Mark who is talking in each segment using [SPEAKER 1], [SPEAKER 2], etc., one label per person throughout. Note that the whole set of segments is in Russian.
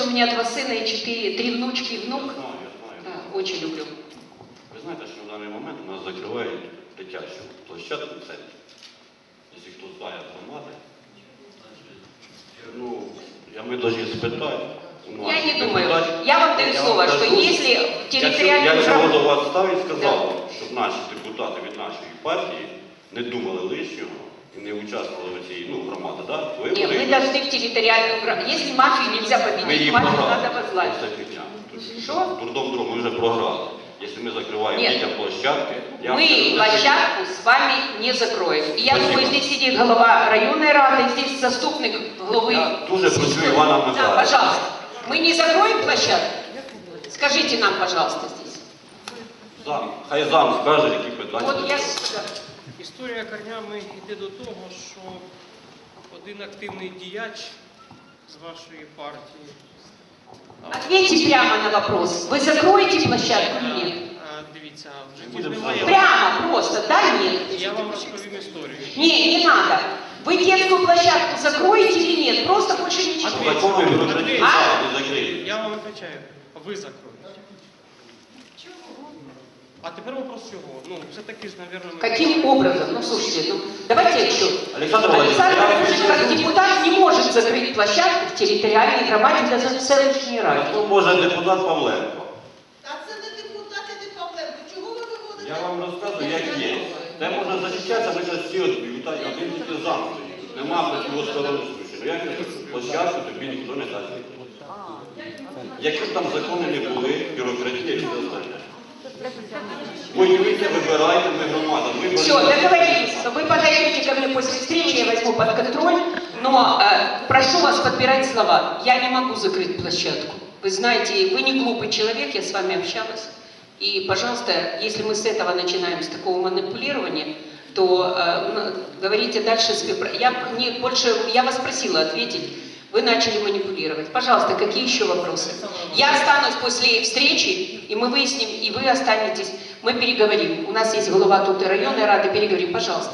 [SPEAKER 1] у меня 2 сына и 3 внучки и внук.
[SPEAKER 2] Я знаю.
[SPEAKER 1] Да, очень люблю.
[SPEAKER 2] Ви знаєте, що в даний момент у нас закривають дитячу площадку в центрі. Якщо хто знає громади, ну, ми повинні спитати.
[SPEAKER 1] Я не думаю. Я вам даю слово, что если территориальный...
[SPEAKER 2] Я цього до вас став і сказав, щоб наші депутати від нашої партії не думали лишнього и не участвовали в этой, громаде, да?
[SPEAKER 1] Нет, мы должны в территориальную громаду. Если мафию нельзя победить, мафию надо возглавить.
[SPEAKER 2] Что? Дурдом друг, мы уже програли. Если мы закрываем детям площадки...
[SPEAKER 1] Мы площадку с вами не закроем. И я думаю, здесь сидит глава районной рады, здесь заступник главы...
[SPEAKER 2] Я дуже прошу Ивана Михайловича.
[SPEAKER 1] Да, пожалуйста. Мы не закроем площадку? Скажите нам, пожалуйста, здесь.
[SPEAKER 2] Хай зам скаже, які питання.
[SPEAKER 1] Вот я...
[SPEAKER 3] Історія корнями йде до того, що один активний діяч з вашої партії...
[SPEAKER 1] Ответьте прямо на вопрос. Вы закроете площадку или нет?
[SPEAKER 3] Дивіться, в житті ж немає...
[SPEAKER 1] Прямо, просто, да, нет?
[SPEAKER 3] Я вам розповім історію.
[SPEAKER 1] Не надо. Вы детскую площадку закроете или нет? Просто больше ничего.
[SPEAKER 3] Я вам отвечаю. Ви закроєте. А теперь вопрос чего? Все-таки же, наверное...
[SPEAKER 1] Каким образом? Слушайте, давайте еще.
[SPEAKER 2] Александр
[SPEAKER 1] Владимирович, как депутат, не может закрыть площадку в территориальной громаде для селищной ради.
[SPEAKER 2] Хто може депутат Павленко?
[SPEAKER 4] Та це не депутат, і не Павленко. Чого ви виводите?
[SPEAKER 2] Я вам розказую, як є. Де можна захищатися, ми зараз всі відбувають, один тільки замкнутий. Нема противостороннього случаю. Як я кажу, площадку тобі ніхто не дасть. Які б там закони не були, бюрократія і все остальне. Воюйте, выбирайте, мы громада.
[SPEAKER 1] Все, договорились. Вы подойдете ко мне после встречи, я возьму под контроль, но прошу вас подбирать слова. Я не могу закрыть площадку. Вы знаете, вы не глупый человек, я с вами общалась. И, пожалуйста, если мы с этого начинаем, с такого манипулирования, то говорите дальше. Я вас просила ответить. Вы начали манипулировать. Пожалуйста, какие еще вопросы? Я останусь после встречи, и мы выясним, и вы останетесь. Мы переговорим. У нас есть голова тут и районной рады. Переговорим, пожалуйста.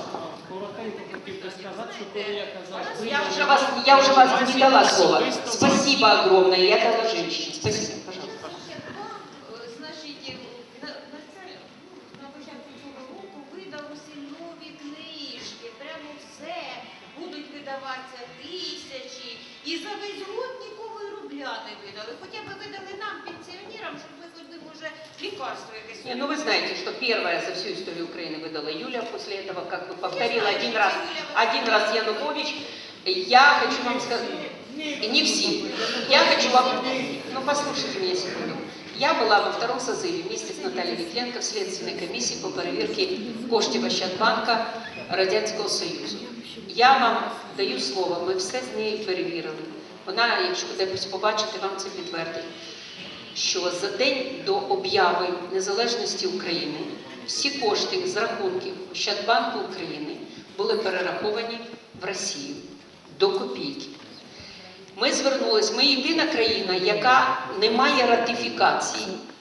[SPEAKER 1] Я уже вас не дала слова. Спасибо огромное. Я дала женщине. Спасибо, пожалуйста.
[SPEAKER 4] Значить, на початку цього року видав усі нові книжки. Прямо все. Будуть видаватися тисячі. І за весь год нікого і рубля не видали. Хоча б видали нам, пенсіонерам, щоб ми ходили вже лікарство якесь.
[SPEAKER 1] Не, вы знаете, что первая за всю историю Украины выдала Юля, после этого, как бы повторила один раз Янукович. Я хочу вам сказать, не все. Я хочу вам, послушайте меня секунду. Я была во 2-м созыве вместе с Натальей Витленко в Следственной комиссии по проверке коштів Ощадбанка Радянського Союзу. Я вам даю слово, ми все з нею перевірили. Вона, якщо десь побачите, вам це підтвердить, що за день до об'яви незалежності України всі кошти з рахунків Ощадбанку України були перераховані в Росію до копійки. Ми звернулись, ми єдина країна, яка не має ратифікації